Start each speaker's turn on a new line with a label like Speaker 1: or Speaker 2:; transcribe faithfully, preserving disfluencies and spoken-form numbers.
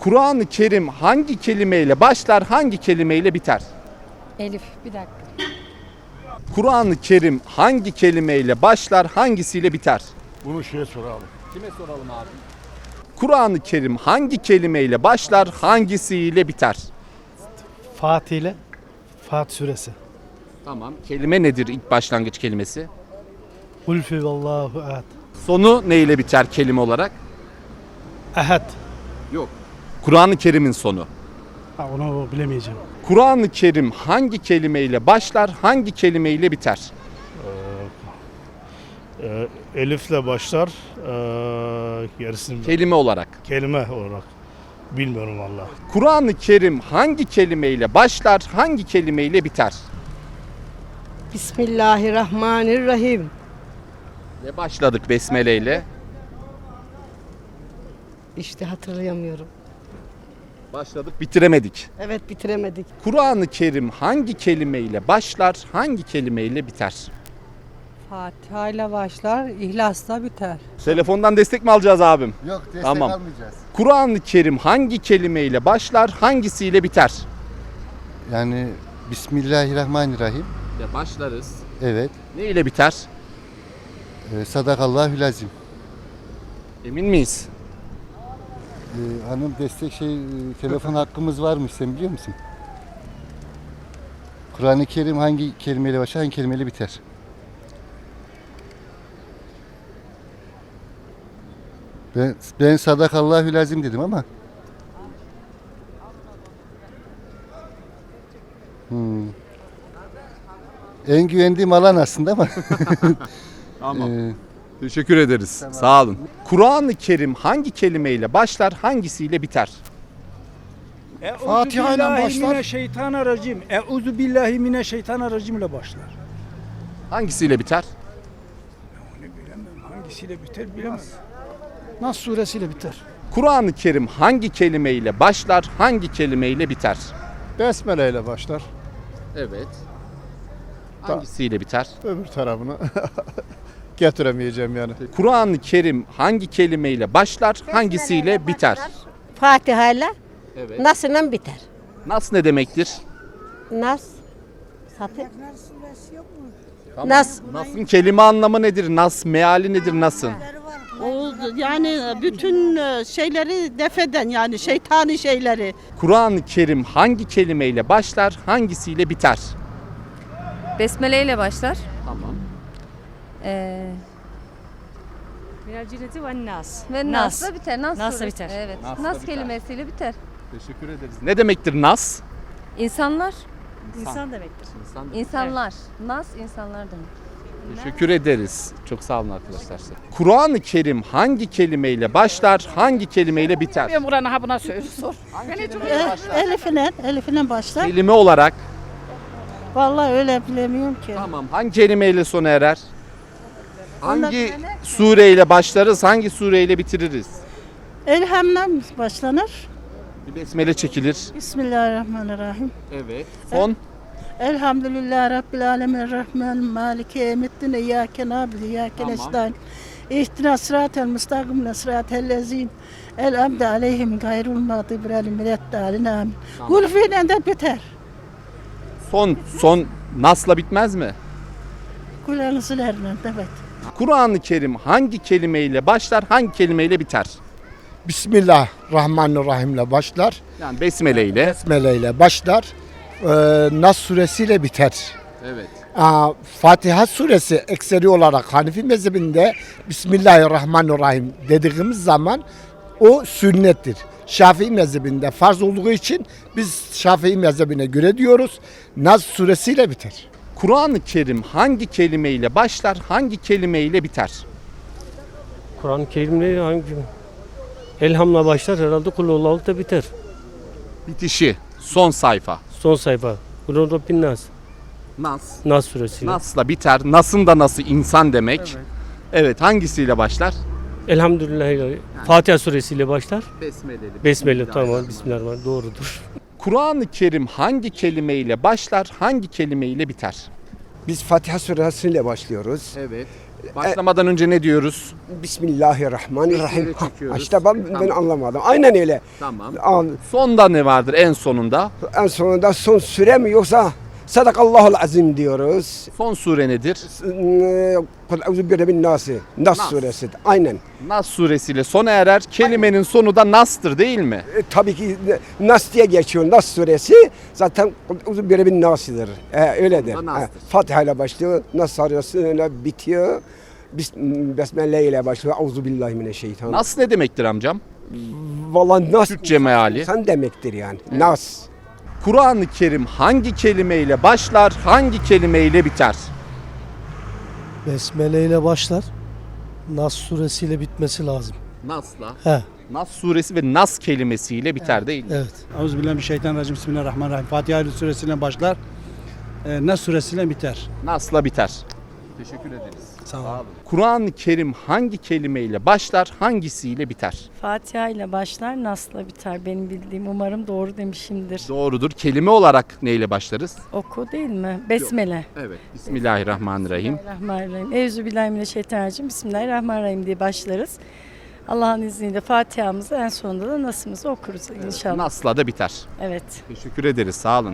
Speaker 1: Kur'an-ı Kerim hangi kelimeyle başlar, hangi kelimeyle biter?
Speaker 2: Elif, bir dakika.
Speaker 1: Kur'an-ı Kerim hangi kelimeyle başlar, hangisiyle biter?
Speaker 3: Bunu şeye soralım.
Speaker 1: Kime soralım abi? Kur'an-ı Kerim hangi kelimeyle başlar, hangisiyle biter?
Speaker 3: Fatih ile Fatih suresi.
Speaker 1: Tamam. Kelime nedir ilk başlangıç kelimesi?
Speaker 3: Kulfü vallahu ehad.
Speaker 1: Sonu ne ile biter kelime olarak?
Speaker 3: Ehad.
Speaker 1: Yok. Kur'an-ı Kerim'in sonu.
Speaker 3: Ha, onu bilemeyeceğim.
Speaker 1: Kur'an-ı Kerim hangi kelimeyle başlar, hangi kelimeyle biter?
Speaker 3: Ee, elifle başlar. Ee, gerisini
Speaker 1: Kelime olarak.
Speaker 3: kelime olarak. Bilmiyorum valla.
Speaker 1: Kur'an-ı Kerim hangi kelimeyle başlar, hangi kelimeyle biter?
Speaker 4: Bismillahirrahmanirrahim.
Speaker 1: Ve başladık Besmele ile.
Speaker 4: İşte hatırlayamıyorum.
Speaker 1: Başladık, bitiremedik.
Speaker 4: Evet, bitiremedik.
Speaker 1: Kur'an-ı Kerim hangi kelimeyle başlar, hangi kelimeyle biter?
Speaker 5: Fatiha ile başlar, İhlas'la biter.
Speaker 1: Telefondan destek mi alacağız abim?
Speaker 6: Yok, destek
Speaker 1: Tamam.
Speaker 6: almayacağız.
Speaker 1: Kur'an-ı Kerim hangi kelimeyle başlar, hangisiyle biter?
Speaker 6: Yani Bismillahirrahmanirrahim.
Speaker 1: Ya başlarız.
Speaker 6: Evet.
Speaker 1: Ne ile biter?
Speaker 6: E, Sadakallahülazim.
Speaker 1: Emin miyiz?
Speaker 6: E, hanım destek şey e, telefon hakkımız varmış, sen biliyor musun? Kur'an-ı Kerim hangi kelimeyle başlar, hangi kelimeyle biter? Ben, ben Sadakallahülazim dedim ama. Hmm. En güvendiğim alan aslında ama.
Speaker 1: Tamam.
Speaker 6: e,
Speaker 1: Teşekkür ederiz. Sağ olun. Kur'an-ı Kerim hangi kelimeyle başlar, hangisiyle biter?
Speaker 7: Fatiha ile başlar. Şeytanirracim. Euzu billahi mineşşeytanirracim ile başlar.
Speaker 1: Hangisiyle biter?
Speaker 7: Onu bilemem. Hangisiyle biter bilemem.
Speaker 3: Nas suresiyle biter.
Speaker 1: Kur'an-ı Kerim hangi kelimeyle başlar, hangi kelimeyle biter?
Speaker 8: Besmele ile başlar.
Speaker 1: Evet. Hangisiyle biter?
Speaker 8: Öbür tarafını getiremeyeceğim yani.
Speaker 1: Kur'an-ı Kerim hangi kelimeyle başlar, hangisiyle biter?
Speaker 4: Fatiha ile
Speaker 1: Evet.
Speaker 4: Nas'la biter.
Speaker 1: Nas ne demektir?
Speaker 4: Nas. Satı. Nas.
Speaker 1: Nas'ın kelime anlamı nedir? Nas meali nedir Nas'ın?
Speaker 9: O yani bütün şeyleri defeden yani şeytani şeyleri.
Speaker 1: Kur'an-ı Kerim hangi kelimeyle başlar, hangisiyle biter?
Speaker 2: Besmele ile başlar.
Speaker 1: Tamam.
Speaker 2: Ee,
Speaker 5: Minel ve nas.
Speaker 2: ve
Speaker 5: Nas.
Speaker 2: Nas'la biter. Nas,
Speaker 5: Nas'la
Speaker 2: suresi.
Speaker 5: biter.
Speaker 2: Evet.
Speaker 1: Nas'la
Speaker 2: Nas
Speaker 1: biter.
Speaker 2: kelimesiyle biter.
Speaker 1: Teşekkür ederiz. Ne demektir Nas?
Speaker 2: İnsanlar,
Speaker 5: İnsan demektir.
Speaker 1: İnsan.
Speaker 2: insanlar. Nas insanlar demek.
Speaker 1: Teşekkür ederiz. Çok sağ olun arkadaşlar. Kur'an-ı Kerim hangi kelimeyle başlar, hangi kelimeyle biter?
Speaker 9: Ben buranın ha buna söyle sor.
Speaker 4: Elif'le, Elif'le başlar.
Speaker 1: Kelime olarak.
Speaker 4: Vallahi öyle bilemiyorum ki.
Speaker 1: Tamam. Hangi kelimeyle sona erer? Hangi sureyle başlarız, hangi sureyle bitiririz?
Speaker 4: Elham'la başlanır.
Speaker 1: Bir besmele çekilir.
Speaker 4: Bismillahirrahmanirrahim.
Speaker 1: Evet. Son.
Speaker 4: Elhamdülillahi Rabbil alemin rahman maliki yevmiddin iyyake na'budu ve iyyake
Speaker 1: Tamam.
Speaker 4: nestaîn. İhdina sıratel müstakim sıratel lezîn en'amte aleyhim gayril mağdubi aleyhim veleddâlin amin. Kul fiilen de biter.
Speaker 1: Son. Son. Nas'la bitmez mi?
Speaker 4: Kulağınızlarla evet.
Speaker 1: Kur'an-ı Kerim hangi kelimeyle başlar, hangi kelimeyle biter?
Speaker 10: Bismillahirrahmanirrahim ile başlar.
Speaker 1: Yani besmele ile.
Speaker 10: Besmele ile başlar. Ee, Nas suresiyle biter.
Speaker 1: Evet.
Speaker 10: Aa, Fatiha suresi ekseri olarak Hanefi mezhebinde Bismillahirrahmanirrahim dediğimiz zaman o sünnettir. Şafii mezhebinde farz olduğu için biz Şafii mezhebine göre diyoruz. Nas suresiyle biter.
Speaker 1: Kur'an-ı Kerim hangi kelimeyle başlar, hangi kelimeyle biter?
Speaker 3: Kur'an-ı Kerim'le hangi Elham'la başlar herhalde Kulhullah'la da biter.
Speaker 1: Bitişi. Son sayfa.
Speaker 3: Son sayfa. Kulun Rabbin Nas.
Speaker 1: Nas.
Speaker 3: Nas suresiyle.
Speaker 1: Nas'la biter. Nas'ın da nasıl insan demek. Evet. Evet. Hangisiyle başlar?
Speaker 3: Elhamdülillah. Fatiha suresiyle başlar.
Speaker 1: Besmeleli.
Speaker 3: Besmele tamam. Bismillahirrahmanirrahim. Doğrudur.
Speaker 1: Kur'an-ı Kerim hangi kelimeyle başlar, hangi kelimeyle biter?
Speaker 11: Biz Fatiha suresiyle başlıyoruz.
Speaker 1: Evet. Başlamadan önce ne diyoruz?
Speaker 11: Bismillahirrahmanirrahim.
Speaker 1: Besmele çekiyoruz.
Speaker 11: İşte ben, ben
Speaker 1: Tamam.
Speaker 11: anlamadım. Aynen öyle.
Speaker 1: Tamam.
Speaker 11: Al,
Speaker 1: Sonda ne vardır en sonunda?
Speaker 11: En sonunda son süre mi yoksa Sadakallahul azim diyoruz.
Speaker 1: Son sure nedir?
Speaker 11: Kul euzu bi rabbin nasi. Nas
Speaker 1: Nas.
Speaker 11: suresi. Aynen.
Speaker 1: Nas suresiyle sona erer. Kelimenin sonu da Nas'tır değil mi?
Speaker 11: E, tabii ki Nas diye geçiyor. Nas suresi zaten Kul euzu bi rabbin nasidir. E, öyledir.
Speaker 1: Sonunda
Speaker 11: E,
Speaker 1: Nas'tır.
Speaker 11: Fatiha ile başlıyor. Nas suresiyle bitiyor. Bis, Besmele ile başlıyor. Euzu billahi mineşşeytanirracim.
Speaker 1: Nas ne demektir amcam?
Speaker 11: Vallahi Nas
Speaker 1: Türkçe meali.
Speaker 11: sen demektir yani. Nas.
Speaker 1: Kur'an-ı Kerim hangi kelimeyle başlar, hangi kelimeyle biter?
Speaker 3: Besmele ile başlar. Nas suresiyle bitmesi lazım.
Speaker 1: Nas'la.
Speaker 3: He,
Speaker 1: Nas suresi ve Nas kelimesiyle biter değil mi?
Speaker 3: evet.
Speaker 7: Euzubillahimineşşeytanirracim. Bismillahirrahmanirrahim. Fatiha suresiyle başlar. E, Nas suresiyle biter.
Speaker 1: Nas'la biter. Teşekkür ederiz.
Speaker 7: Sağ olun.
Speaker 1: Kur'an-ı Kerim hangi kelimeyle başlar, hangisiyle biter?
Speaker 5: Fatiha ile başlar, Nas'la biter. Benim bildiğim, umarım doğru demişimdir.
Speaker 1: Doğrudur. Kelime olarak neyle başlarız?
Speaker 5: Oku değil mi? Besmele.
Speaker 1: Evet. Bismillahirrahmanirrahim.
Speaker 5: Bismillahirrahmanirrahim. Euzubillahimineşşeytanirracim. Bismillahirrahmanirrahim diye başlarız. Allah'ın izniyle Fatiha'mızı en sonunda da Nas'ımızı okuruz inşallah.
Speaker 1: Nas'la da biter.
Speaker 5: Evet.
Speaker 1: Teşekkür ederiz. Sağ olun.